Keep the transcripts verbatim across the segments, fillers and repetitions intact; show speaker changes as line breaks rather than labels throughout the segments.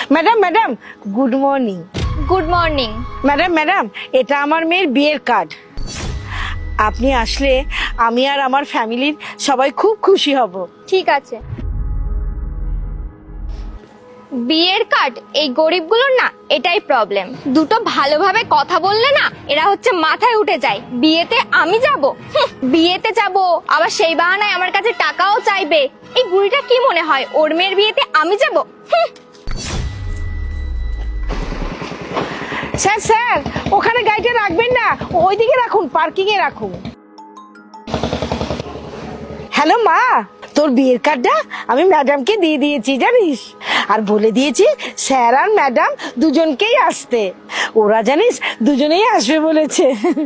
Madam madam good morning.
Good morning.
Madam madam এটা আমার মেয়ের বিয়ের কার্ড। আপনি আসলে আমি আর আমার ফ্যামিলির সবাই খুব খুশি হব।
ঠিক আছে। বিয়ের কার্ড এই গরিবগুলোর না এটাই প্রবলেম, দুটো ভালোভাবে কথা বললে না এরা হচ্ছে মাথায় উঠে যায়। বিয়েতে আমি যাব, বিয়েতে যাব আবার সেই বাহানায় আমার কাছে টাকাও চাইবে। এই বুড়িটা কি মনে হয় ওর মেয়ের বিয়েতে আমি যাব?
স্যার স্যার ওখানে গাড়িটা রাখবেন না, ওইদিকে রাখুন, পার্কিং এ রাখুন। হ্যালো মা, তোর বিয়ের কার্ডটা আমি ম্যাডামকে দিয়ে দিয়েছি জানিস, আর বলে দিয়েছি স্যার আর ম্যাডাম দুজনকেই আসতে। ওরা জানিস দুজনেই আসবে বলেছে।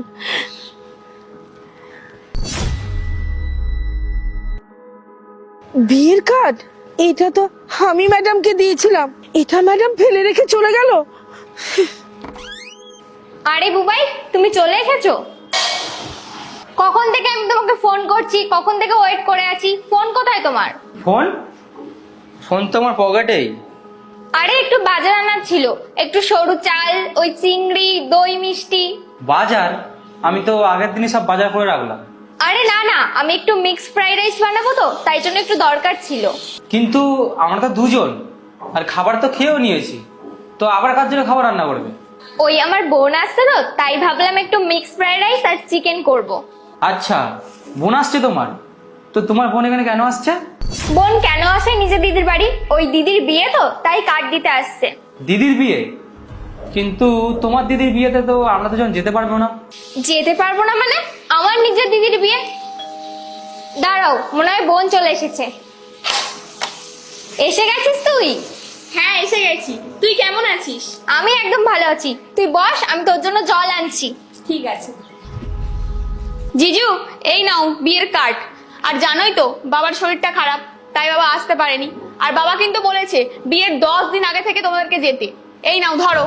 বিয়ের কার্ড এটা তো আমি ম্যাডামকে দিয়েছিলাম, এটা ম্যাডাম ফেলে রেখে চলে গেল।
আরে বুবাই, তুমি চলে এসেছো? কখন থেকে আমি তোমাকে ফোন করছি, কখন থেকে ওয়েট করে আছি। ফোন কোথায় তোমার?
ফোন ফোন তো আমার পকেটেই।
আরে একটু বাজার আনার ছিল, একটু সরু চাল, ওই চিংড়ি, দই, মিষ্টি।
বাজার? আমি তো আগের দিনই সব বাজার করে রাখলাম।
আরে না না, আমি একটু মিক্স ফ্রাইড রাইস বানাবো তো, তাই জন্য একটু দরকার ছিল।
কিন্তু আমরা তো দুজন, আর খাবার তো খেয়েও নিয়েছি, তো আবার কার জন্য খাবার রান্না করবে?
ওই আমার বোন আসছে তো, তাই ভাবলাম একটু মিক্স ফ্রাইড রাইস আর চিকেন করব।
আচ্ছা, বোন আসছে তোমার? তো তোমার বোন এখানে কেন আসছে?
বোন কেন আসে নিজে দিদির বাড়ি? ওই দিদির বিয়ে তো, তাই কার্ড দিতে আসছে।
দিদির বিয়ে? কিন্তু তোমার দিদির বিয়েতে তো আমরা দুজন যেতে পারবো না।
যেতে পারবো না মানে? আমার নিজের দিদির বিয়ে? দাঁড়াও, মনে হয় বোন চলে এসেছে। এসে গেছিস তুই?
হ্যাঁ এসে গেছি। তুই কেমন আছিস?
আমি একদম ভালো আছি, তুই বস, আমি তোর জন্য জল আনছি।
ঠিক আছে। জিজু, এই নাও বিয়ের কার্ড। আর জানোই তো বাবার শরীরটা খারাপ, তাই বাবা আসতে পারেনি। আর বাবা কিন্তু বলেছে বিয়ের দশ দিন আগে থেকে তোমাদেরকে যেতে। এই নাও ধরো।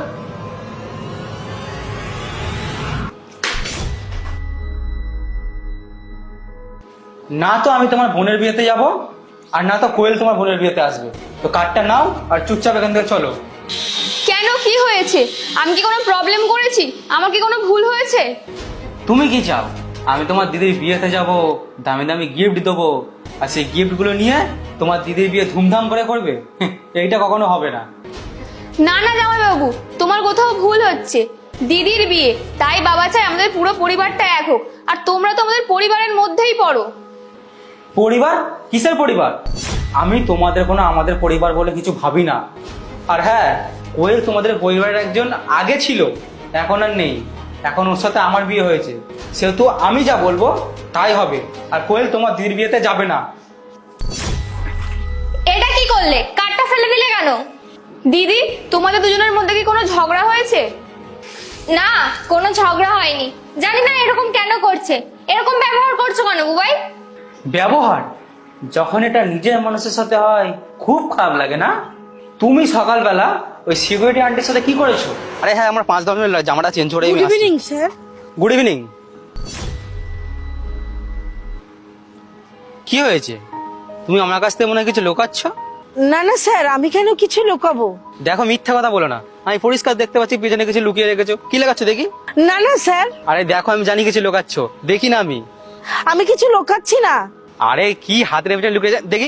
না তো আমি তোমার বোনের বিয়েতে যাব, আর না তো কোয়েল তোমার বোনের বিয়েতে আসবে। তো কার্ডটা নাও আর চুপচাপ এখান থেকে চলো।
কেন, কি হয়েছে? আমি কি কোনো প্রবলেম করেছি? আমার কি কোনো ভুল হয়েছে?
তুমি কি চাও আমি তোমার দিদির বিয়েতে যাব, দামি দামি গিফট দেবো, আর সেই গিফটগুলো নিয়ে তোমার দিদির বিয়ে ধুমধাম করে করবে? এইটা কখনো হবে না।
না না জামাইবাবু, তোমার কোথাও ভুল হচ্ছে। দিদির বিয়ে, তাই বাবা চায় আমাদের পুরো পরিবারটা এক হোক। আর তোমরা তো আমাদের পরিবারের মধ্যেই পড়ো।
পরিবার? কিসের পরিবার? আমি তোমাদের কোনো আমাদের পরিবার বলে কিছু ভাবি না। আর হ্যাঁ, কোয়েল তোমাদের পরিবারের একজন আগে ছিল, এখন আর নেই। এখন ওর সাথে আমার বিয়ে হয়েছে, সেহেতু আমি যা বলবো তাই হবে। আর কোয়েল তোমার দিদির বিয়েতে যাবে না।
এটা কি করলে? কার্ডটা ফেলে দিলে কেন?
দিদি, তোমাদের দুজনের মধ্যে কি কোনো ঝগড়া হয়েছে?
না, কোনো ঝগড়া হয়নি। জানি না এরকম কেন করছে, এরকম ব্যবহার করছো কেন বুবাই?
ব্যবহার যখন এটা নিজের মানুষের সাথে হয় খুব খারাপ লাগে না? তুমি সকালবেলা ওই সিকিউরিটি আন্টির সাথে কি করেছো? আরে হ্যাঁ, আমার পাঁচ দশ মিনিট জামাটা চেঞ্জ করে
good evening sir.
Good evening. কি হয়েছে? তুমি আমার কাছ থেকে মনে হয় কিছু লুকাচ্ছ?
না না স্যার, আমি কেন কিছু লুকাবো?
দেখো, মিথ্যা কথা বলো না। আমি পরিষ্কার দেখতে পাচ্ছি পিছনে কিছু লুকিয়ে রেখেছো। কি লেখাচ্ছ দেখি?
না না স্যার,
আরে দেখো, আমি জানি কিছু লুকাচ্ছ, দেখি না আমি?
আমি কিছু লুকাচ্ছি না।
আরে কি হাতের পিছনে লুকিয়ে যা দেখি।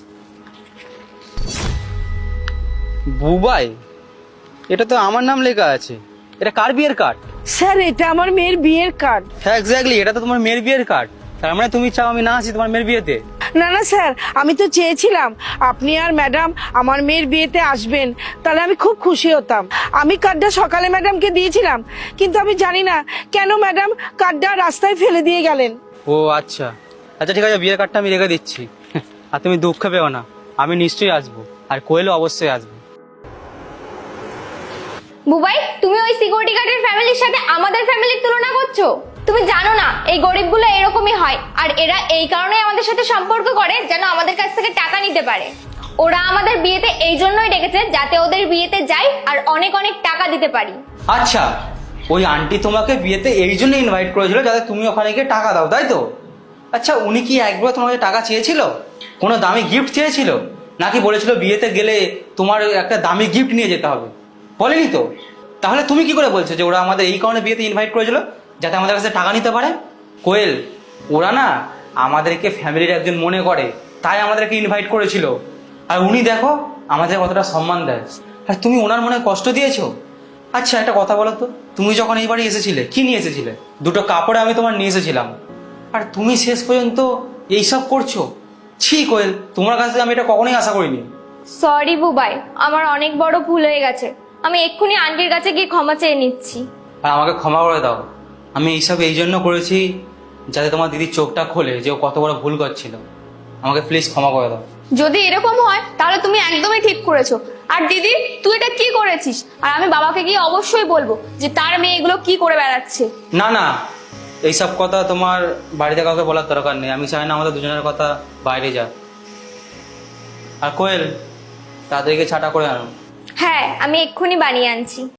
বুবাই, এটা তো আমার নাম লেখা আছে। এটা কার বিয়ের কার্ড?
স্যার এটা আমার মেয়ের বিয়ের কার্ড।
হ্যাঁ এক্স্যাক্টলি, এটা তো তোমার মেয়ের বিয়ের কার্ড। তার মানে তুমি চাও আমি না আসি তোমার মেয়ের বিয়েতে?
না না স্যার, আমি তো চেয়েছিলাম আপনি আর ম্যাডাম আমার মেয়ের বিয়েতে আসবেন, তাহলে আমি খুব খুশি হতাম। আমি কার্ডটা সকালে ম্যাডামকে দিয়েছিলাম, কিন্তু আমি জানি না কেন ম্যাডাম কার্ডটা রাস্তায় ফেলে দিয়ে গেলেন।
ও আচ্ছা আচ্ছা, ঠিক আছে, বিয়ের কার্ডটা আমি রেখে দিচ্ছি। আর তুমি দুঃখ পেও না, আমি নিশ্চয়ই আসবো, আর কোয়েলও অবশ্যই আসবে।
বুবাই, তুমি ওই সিকিউরিটি গার্ডের ফ্যামিলির সাথে আমাদের ফ্যামিলির তুলনা করছো? তুমি জানো না এই গরিবগুলো এরকমই হয়, আর এরা এই কারণে আমাদের সাথে সম্পর্ক করে যেন আমাদের কাছ থেকে টাকা নিতে পারে। ওরা আমাদের বিয়েতে এই জন্যই ডেকেছে যাতে ওদের বিয়েতে যাই আর অনেক অনেক টাকা দিতে পারি।
আচ্ছা, ওই আন্টি তোমাকে বিয়েতে এই জন্য ইনভাইট করেছিল যাতে তুমি ওখানে গিয়ে টাকা দাও, তাই তো? আচ্ছা, উনি কি একবার তোমাকে টাকা চেয়েছিল? কোনো দামি গিফট চেয়েছিল? নাকি বলেছিল বিয়েতে গেলে তোমার একটা দামি গিফট নিয়ে যেতে হবে? বলেনি তো? তাহলে তুমি কি করে বলছো যে ওরা আমাদের এই কারণে বিয়েতে ইনভাইট করেছিল, যাতে আমাদের কাছে টাকা নিতে পারে? কোয়েল, ওরা না আমাদেরকে ফ্যামিলির একজন মনে করে, তাই আমাদেরকে ইনভাইট করেছিল। আর উনি দেখো আমাদের কতটা সম্মান দেয়, আর তুমি ওনার মনে কষ্ট দিয়েছো। আচ্ছা একটা কথা বলো তো, তুমি যখন এই বাড়ি এসেছিলে কি নিয়ে এসেছিলে? দুটো কাপড়ে আমি তোমার নিয়ে এসেছিলাম, আর তুমি শেষ পর্যন্ত এইসব করছো। ছি কোয়েল, তোমার কাছে আমি এটা কখনোই আশা করিনি।
সরি বুবাই, আমার অনেক বড় ভুল হয়ে গেছে। আমি এক্ষুনি আন্টির কাছে গিয়ে ক্ষমা চেয়ে নিচ্ছি।
আর আমাকে ক্ষমা করে দাও। আমি এইসব এই জন্য করেছি যাতে তোমার দিদির চোখটা খোলে যে ও কত বড় ভুল করছিল। আমাকে প্লিজ ক্ষমা করে দাও।
যদি এরকম হয় তাহলে তুমি একদমই ঠিক করেছো। আর দিদি, তুই এটা কি করেছিস? আর আমি বাবাকে গিয়ে অবশ্যই বলবো যে তার মেয়ে এগুলো কি করে বেড়াচ্ছে।
না না, এইসব কথা তোমার বাড়িতে কাউকে বলার দরকার নেই। আমি চাই না আমাদের দুজনের কথা বাইরে যাক। আর কোয়েল, তাদেরকে ছাটা করে আনো।
হ্যাঁ, আমি এক্ষুনি বানিয়ে আনছি।